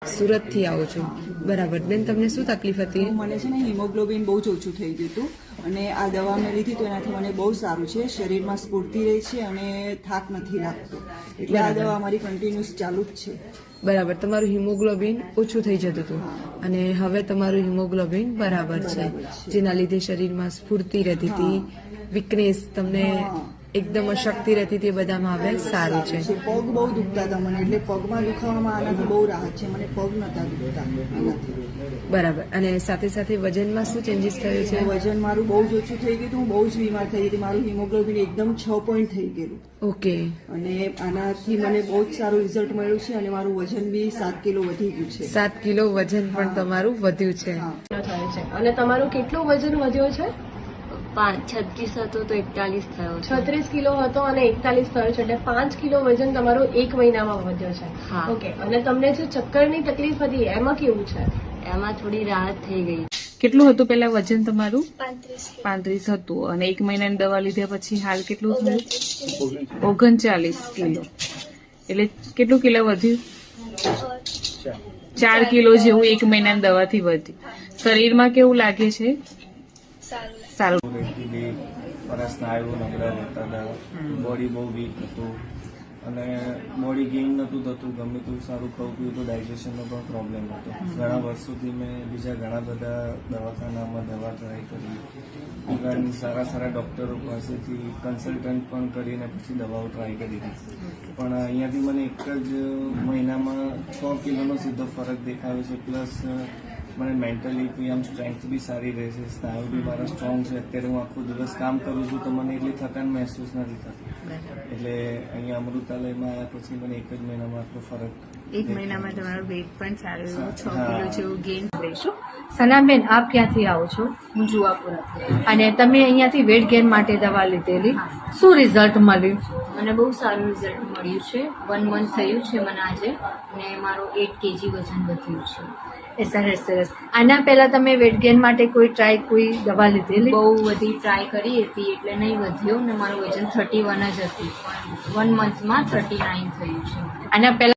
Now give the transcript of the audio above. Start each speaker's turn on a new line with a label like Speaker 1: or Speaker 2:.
Speaker 1: સુરતથી આવો છો, બરાબર. બેન, તમને શું તકલીફ હતી?
Speaker 2: મને છે ને હિમોગ્લોબિન બહુ જ ઓછું થઈ ગયું હતું અને આ દવા મેં લીધી તો એનાથી મને બહુ સારું છે. શરીરમાં સ્ફૂર્તિ રહે છે અને થાક નથી લાગતો. એટલે આ દવા મારી કન્ટિન્યુઅસ ચાલુ જ છે.
Speaker 1: બરાબર. તમારું હિમોગ્લોબિન ઓછું થઈ જતું હતું અને હવે તમારું હિમોગ્લોબિન બરાબર છે, જેના લીધે શરીરમાં સ્ફૂર્તિ રહેતી હતી, વીકનેસ, તમને એકદમ અશક્તિ રહેતી હતી, બધામાં હવે સારું છે.
Speaker 2: પગ બહુ દુખતા હતા મને, એટલે પગમાં દુખાવામાં આનાથી બહુ રાહત છે. મને પગ નતા દુખતા આનાથી.
Speaker 1: બરાબર. અને સાથે સાથે વજનમાં શું ચેન્જીસ થયું છે?
Speaker 2: વજન મારું બહુ જ ઓછું થઈ ગયું હતું. હું બહુ જ બીમાર થઈ ગઈ હતી. મારું હિમોગ્લોબિન એકદમ 6 પોઈન્ટ થઈ ગયેલું.
Speaker 1: ઓકે.
Speaker 2: અને આનાથી મને બહુ જ સારું રિઝલ્ટ મળ્યું છે અને મારું વજન બી 7 કિલો વધી ગયું છે.
Speaker 1: 7 કિલો વજન પણ તમારું વધ્યું છે.
Speaker 3: અને તમારું કેટલું વજન વધ્યો છે?
Speaker 4: 36 હતો તો 41 થયો છે.
Speaker 3: 36 કિલો હતો અને 41 થયો છે, એટલે 5 કિલો વજન તમારું 1 મહિનામાં વધ્યો છે.
Speaker 4: હા.
Speaker 3: ઓકે. અને તમને જે ચક્કરની તકલીફ હતી એમાં કેવું છે?
Speaker 4: એમાં થોડી રાહત થઈ ગઈ.
Speaker 5: કેટલું હતું પેલા વજન તમારું?
Speaker 6: 35
Speaker 5: હતું. અને 1 મહિનાની દવા લીધા પછી હાલ કેટલું થયું? 39 કિલો. એટલે કેટલું કિલો વધ્યું? 4 કિલો જેવું 1 મહિનાની દવાથી વધ્યું. શરીરમાં કેવું લાગે છે? સારું.
Speaker 7: મારા સ્નાયુઓ નબળા રહેતા હતા, બોડી બહુ વીક હતું અને બોડી ગેઇન નહોતું થતું. ગમે તેવું સારું ખાવું પીવું તો ડાયજેશનનો પણ પ્રોબ્લેમ હતો. ઘણા વર્ષોથી મેં બીજા ઘણા બધા દવાખાનામાં દવા ટ્રાય કરી, ઇવન સારા સારા ડૉક્ટરો પાસેથી કન્સલ્ટન્ટ પણ કરીને પછી દવાઓ ટ્રાય કરી હતી. પણ અહીંયાથી મને એક જ મહિનામાં 6 કિલોનો સીધો ફરક દેખાયો છે. પ્લસ મને મેન્ટલી આમ સ્ટ્રેન્થ બી સારી રહે છે, સ્નાયુ બી મારા સ્ટ્રોંગ છે. અત્યારે હું આખો દિવસ કામ કરું છું તો મને એટલી થકાન મહેસૂસ નથી થતી. એટલે અહીંયા અમૃતાલયમાં આવ્યા પછી મને એક જ મહિનામાં આટલો ફરક.
Speaker 6: 1 મહિનામાં તમારું વેઇટ પણ સારું એવું 6
Speaker 7: હા.
Speaker 6: કિલો જેવું ગેઇન
Speaker 3: લઈશું. સનાબેન, આપ ક્યાંથી આવો છો?
Speaker 4: હું જુવાપુરાથી.
Speaker 3: અને તમે અહીંયાથી વેટ ગેઇન માટે દવા લીધેલી, શું રિઝલ્ટ મળ્યું?
Speaker 4: મને બહુ સારું રિઝલ્ટ મળ્યું છે. 1 મંથ થયું છે મને આજે અને મારું 8 kg વજન વધ્યું છે.
Speaker 3: એ સરસ સરસ. આના પહેલા તમે વેટ ગેઇન માટે કોઈ દવા લીધેલી?
Speaker 4: બહુ બધી ટ્રાય કરી હતી એટલે નહીં વધ્યો ને મારું વજન 31 જ હતું, પણ 1 મંથમાં 39 થયું છે.
Speaker 3: આના પહેલા